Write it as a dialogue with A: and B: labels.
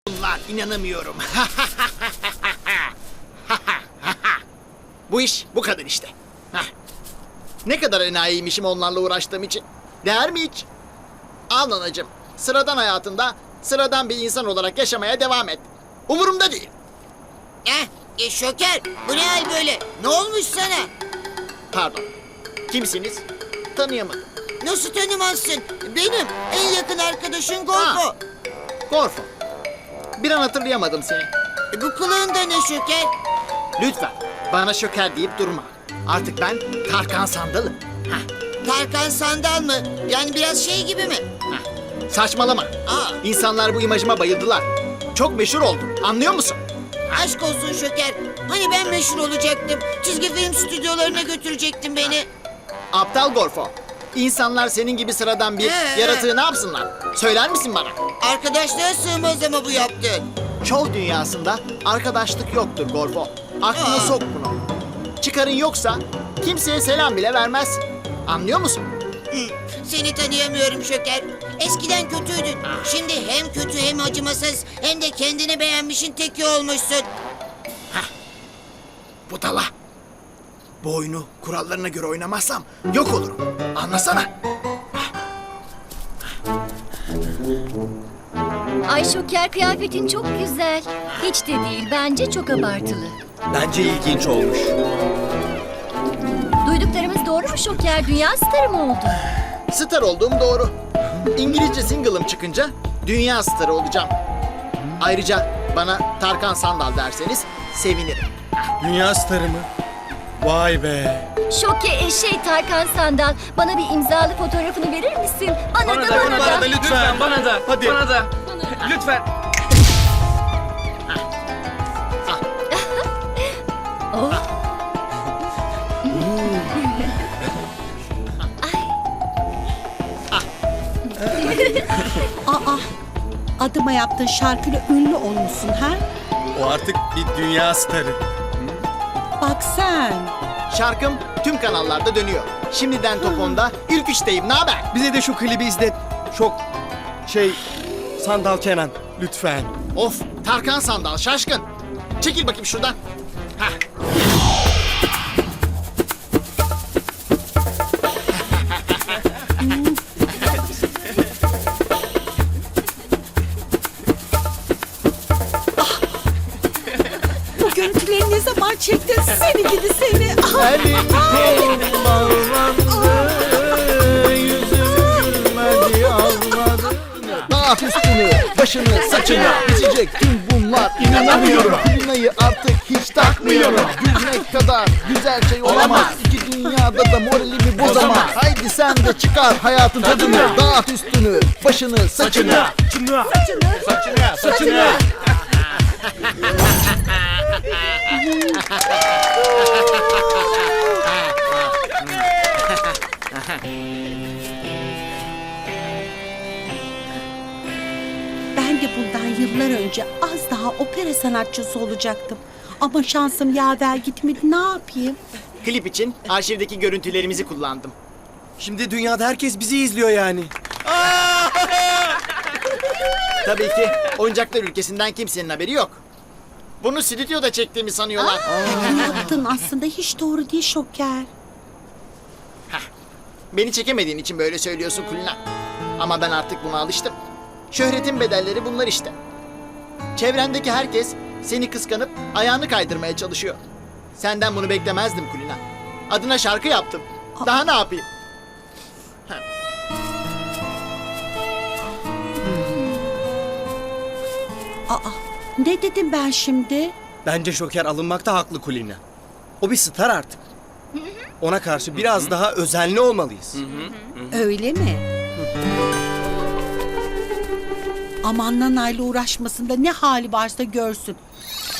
A: Bunlar inanamıyorum. Bu iş bu kadar işte. Hah. Ne kadar enayiymişim onlarla uğraştığım için. Değer mi hiç? Al anacığım. Sıradan hayatında sıradan bir insan olarak yaşamaya devam et. Umurumda değil.
B: Şoker, bu ne hal böyle? Ne olmuş sana?
A: Pardon. Kimsiniz? Tanıyamadım.
B: Nasıl tanımazsın? Benim en yakın arkadaşın Gorfo.
A: Gorfo. Bir an hatırlayamadım seni.
B: Bu kılığında ne Şoker?
A: Lütfen bana şoker deyip durma. Artık ben Tarkan Sandal'ım.
B: Tarkan Sandal mı? Yani biraz şey gibi mi?
A: Saçmalama. İnsanlar bu imajıma bayıldılar. Çok meşhur oldum. Anlıyor musun?
B: Aşk olsun Şoker. Hani ben meşhur olacaktım. Çizgi film stüdyolarına götürecektin beni.
A: Aptal Gorfo. İnsanlar senin gibi sıradan bir yaratığı ne yapsınlar? Söyler misin bana?
B: Arkadaşlığa sığmaz ama bu yaptığın.
A: Şov dünyasında arkadaşlık yoktur Gorfo. Aklına sok bunu. Çıkarın yoksa kimseye selam bile vermezsin. Anlıyor musun?
B: Seni tanıyamıyorum Şoker. Eskiden kötüydün. Şimdi hem kötü hem acımasız hem de kendini beğenmişin teki olmuşsun.
A: Budala. Bu oyunu kurallarına göre oynamazsam yok olurum. Anlasana.
C: Ay Şoker, kıyafetin çok güzel. Hiç de değil, bence çok abartılı.
D: Bence ilginç olmuş.
C: Duyduklarımız doğru mu Şoker? Dünya starı mı oldun?
A: Star olduğum doğru. İngilizce single'ım çıkınca dünya starı olacağım. Ayrıca bana Tarkan Sandal derseniz sevinirim.
D: Dünya starı mı? Vay be.
C: Tarkan Sandal, bana bir imzalı fotoğrafını verir misin? Bana da.
D: Bana da lütfen.
E: Bana da.
D: Hadi.
E: Bana da. Lütfen.
C: Oh.
F: Adıma yaptığın şarkıyla ünlü olmuşsun ha?
D: O artık bir dünya starı.
F: Bak sen.
A: Şarkım tüm kanallarda dönüyor. Şimdiden top 10'da ilk üçteyim. Ne haber?
D: Bize de şu klibi izlet. Çok Sandal Kenan lütfen.
A: Of, Tarkan Sandal şaşkın. Çekil bakayım şuradan. Hah.
F: Bu görüntüleri ne zaman çektin? Seni gidi seni.
A: Elim kolum bağlandı, yüzüm gülmedi ağladı. Dağıt üstünü, başını, saçını ezecek tüm bunlar. İnanamıyorum. Dünyayı artık hiç takmıyorum. Gülmek kadar güzel şey olamaz. İki dünyada da moralimi bozamaz. Haydi sen de çıkar hayatın tadını. Dağıt üstünü, başını, saçını. Saçını.
F: Ben de bundan yıllar önce az daha opera sanatçısı olacaktım. Ama şansım yaver gitmedi. Ne yapayım?
A: Klip için arşivdeki görüntülerimizi kullandım.
D: Şimdi dünyada herkes bizi izliyor yani.
A: Tabii ki oyuncaklar ülkesinden kimsenin haberi yok. Bunu stüdyoda çektiğimi sanıyorlar.
F: Ne yaptın aslında hiç doğru değil Şoker.
A: Beni çekemediğin için böyle söylüyorsun Kulina. Ama ben artık buna alıştım. Şöhretin bedelleri bunlar işte. Çevrendeki herkes seni kıskanıp ayağını kaydırmaya çalışıyor. Senden bunu beklemezdim Kulina. Adına şarkı yaptım. Daha ne yapayım?
F: Ne dedim ben şimdi?
D: Bence Şoker alınmakta haklı Kulina. O bir star artık. Ona karşı biraz daha özenli olmalıyız.
F: Öyle mi? Aman Nana'yla uğraşmasında ne hali varsa görsün.